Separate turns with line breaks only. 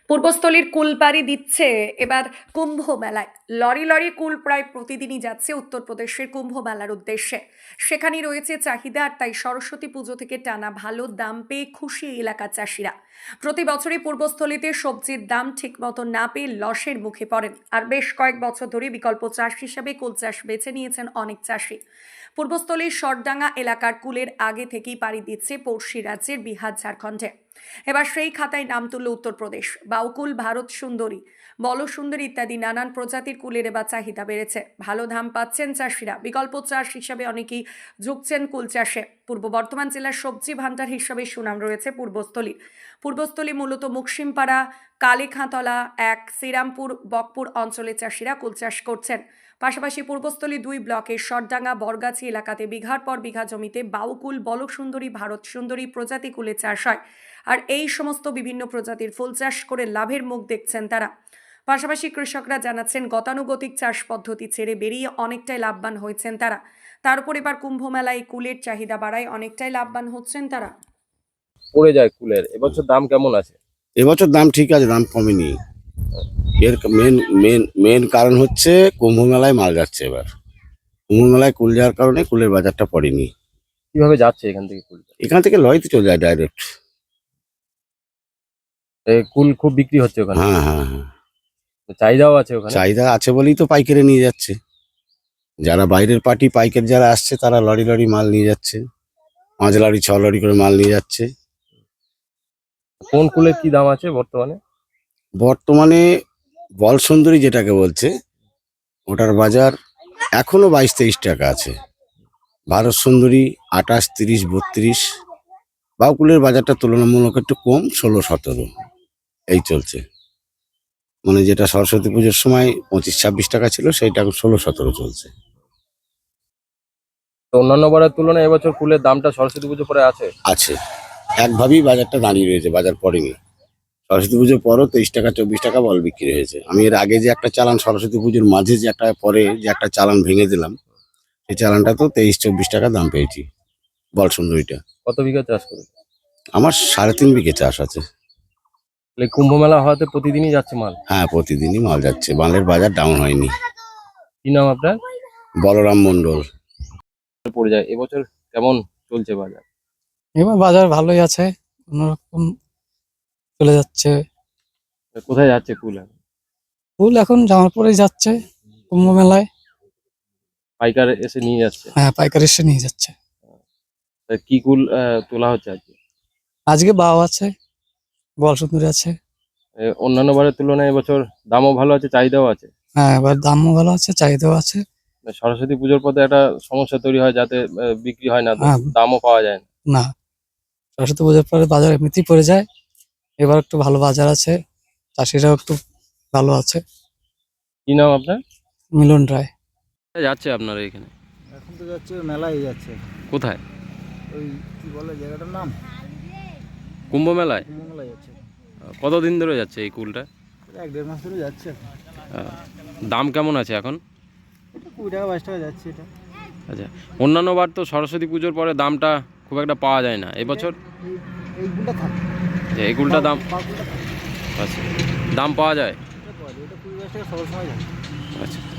পূর্বস্থলীর কুল পাড়ি দিচ্ছে এবার কুম্ভ মেলায়। লরি লরি কুল প্রায় প্রতিদিনই যাচ্ছে উত্তরপ্রদেশের কুম্ভ মেলার উদ্দেশ্যে। সেখানেই রয়েছে চাহিদা, আর তাই সরস্বতী পুজো থেকে টানা ভালো দাম পেয়ে খুশি এলাকার চাষিরা। প্রতি বছরই পূর্বস্থলীতে সবজির দাম ঠিক মতো না পেয়ে লসের মুখে পড়েন, আর বেশ কয়েক বছর ধরে বিকল্প চাষ হিসেবে কুল চাষ বেছে নিয়েছেন অনেক চাষি। পূর্বস্থলীর সরডাঙ্গা এলাকার কুলের আগে থেকেই পাড়ি দিচ্ছে পড়শি রাজ্যের বিহার, ঝাড়খণ্ডে। এবার সেই খাতায় নাম তুলল উত্তরপ্রদেশ। বাউকুল, ভারত সুন্দরী, বল সুন্দরী ইত্যাদি নানান প্রজাতির কুলের এবার চাহিদা বেড়েছে। ভালো দাম পাচ্ছেন চাষিরা। বিকল্প চাষ হিসাবে অনেকেই ঝুঁকছেন কুল চাষে। পূর্ব বর্ধমান জেলার সবজি ভান্ডার হিসাবে সুনাম রয়েছে পূর্বস্থলী মূলত মুকসিমপাড়া, কালীখাঁতলা এক, শ্রীরামপুর, বকপুর অঞ্চলের চাষিরা কুল চাষ করছেন। পাশাপাশি পূর্বস্থলী 2 ব্লকের সরডাঙ্গা, বরগাছি এলাকাতে বিঘার পর বিঘা জমিতে বাউকুল, বল সুন্দরী, ভারত সুন্দরী প্রজাতি কুলের চাষ হয়। আর এই সমস্ত বিভিন্ন প্রজাতির ফুল চাষ করে লাভের মুখ দেখছেন তারা। পাশাপাশি কৃষকরা জানাচ্ছেন গতানুগতিক চাষ পদ্ধতি ছেড়ে বেরিয়ে অনেকটাই লাভবান হয়েছেন তারা। তার উপর এবার কুম্ভ মেলায় কুলের চাহিদা বাড়ায় অনেকটাই লাভবান হচ্ছেন তারা।
পড়ে যায় কুলের। এবছর দাম কেমন আছে?
এবছর দাম ঠিক আছে, দাম কমেনি। এর মেন মেন মেন কারণ হচ্ছে কুম্ভ মেলায় মাল যাচ্ছে। এবার কুম্ভ মেলায় কুল যাওয়ার কারণে কুলের বাজারটা পড়েনি।
কিভাবে যাচ্ছে এখান থেকে কুলটা?
এখান থেকে লরিতে চলে যায় ডাইরেক্ট।
কুল খুব বিক্রি হচ্ছে ওখানে?
হ্যাঁ হ্যাঁ হ্যাঁ,
চাহিদাও আছে ওখানে?
চাহিদা আছে বলেই তো পাইকারি নিয়ে যাচ্ছে। যারা বাইরের পার্টি পাইকারি যারা আসছে তারা লরি লরি মাল নিয়ে যাচ্ছে, 5 লরি 6 লরি করে মাল নিয়ে যাচ্ছে।
কোন কুলের কি দাম আছে বর্তমানে?
বর্তমানে বল সুন্দরী যেটাকে বলছে, ওটার বাজার এখনো 22-23 টাকা আছে। ভারত সুন্দরী 28, 30, 32। বাউকুলের বাজারটা তুলনামূলক একটু কম, 16-17 এই চলছে। মানে যেটা সরস্বতী পুজোর সময় 25-26 টাকা ছিল, সেইটা এখন 16-17 চলছে।
তো অন্যান্য বারের তুলনায় এবছর কুলের দামটা সরস্বতী পুজো পরে আছে?
আছে, একভাবেই বাজারটা দাঁড়িয়ে রয়েছে, বাজার পড়েনি। সরস্বতী পুজোর পরও 23 টাকা 24 টাকা বল বিক্রি হয়েছে। আমি এর আগে যে একটা চালান সরস্বতী পুজোর মাঝে যে একটা পরে যে একটা চালান ভেঙে দিলাম, সেই চালানটা তো 23-24 টাকা দাম পেয়েছি, বল সুন্দরীটা।
কত বিঘা চাষ করে?
আমার 3.5 বিঘে চাষ আছে।
কুম্ভ মেলা হওয়াতে প্রতিদিনই যাচ্ছে মাল?
হ্যাঁ, প্রতিদিনই মাল যাচ্ছে, মালের বাজার ডাউন হয়নি।
কি নাম আপনার?
বলরাম মন্ডল।
পড়ে যায়। এবছর কেমন চলছে বাজার?
এবার বাজার ভালোই আছে, কোনোরকম চলে যাচ্ছে।
কোথায় যাচ্ছে কুল এখন?
ফুল এখন জামালপুরেই যাচ্ছে কুম্ভ মেলায়।
পাইকার এসে নিয়ে যাচ্ছে?
হ্যাঁ, পাইকারি এসে নিয়ে যাচ্ছে।
তা কি কুল তোলা হচ্ছে আজকে?
আজকে বাও আছে, বল সুন্দরী আছে।
অন্যান্য বারের তুলনায় এবছর দামও ভালো আছে, চাহিদাও আছে?
হ্যাঁ, এবার দামও ভালো আছে, চাহিদাও আছে।
সরস্বতী পুজোর পথে একটা সমস্যা তৈরি হয়, যাতে বিক্রি হয় না,
হ্যাঁ।
দামও পাওয়া যায় না।
না, সরস্বতী পুজোর পরে বাজার এমনিতেই পড়ে যায়। এবার একটু ভালো বাজার আছে, চাষিরাও একটু ভালো আছে।
কি নাম আপনার?
মিলন রায়।
যাচ্ছে আপনারা এখানে?
এখন তো যাচ্ছে মেলায় যাচ্ছে।
কোথায়?
ওই কি বলে জায়গাটার নাম,
কুম্ভ মেলায়?
কুম্ভ মেলায় যাচ্ছে।
কতদিন ধরে যাচ্ছে এই কুলটা?
1-1.5 মাস ধরে যাচ্ছে।
দাম কেমন আছে এখন?
এটা 20 টাকা 22 টাকা যাচ্ছে এটা।
আচ্ছা, অন্যান্য বার তো সরস্বতী পুজোর পরে দামটা খুব একটা পাওয়া যায় না, এবছর
এইগুলো থাকে,
এই কুলটা দাম
বাকুলটা থাকে।
আচ্ছা, দাম পাওয়া যায়?
এটা পাওয়া যায়, এটা 20-22 টাকা সব সময় যায়।
আচ্ছা।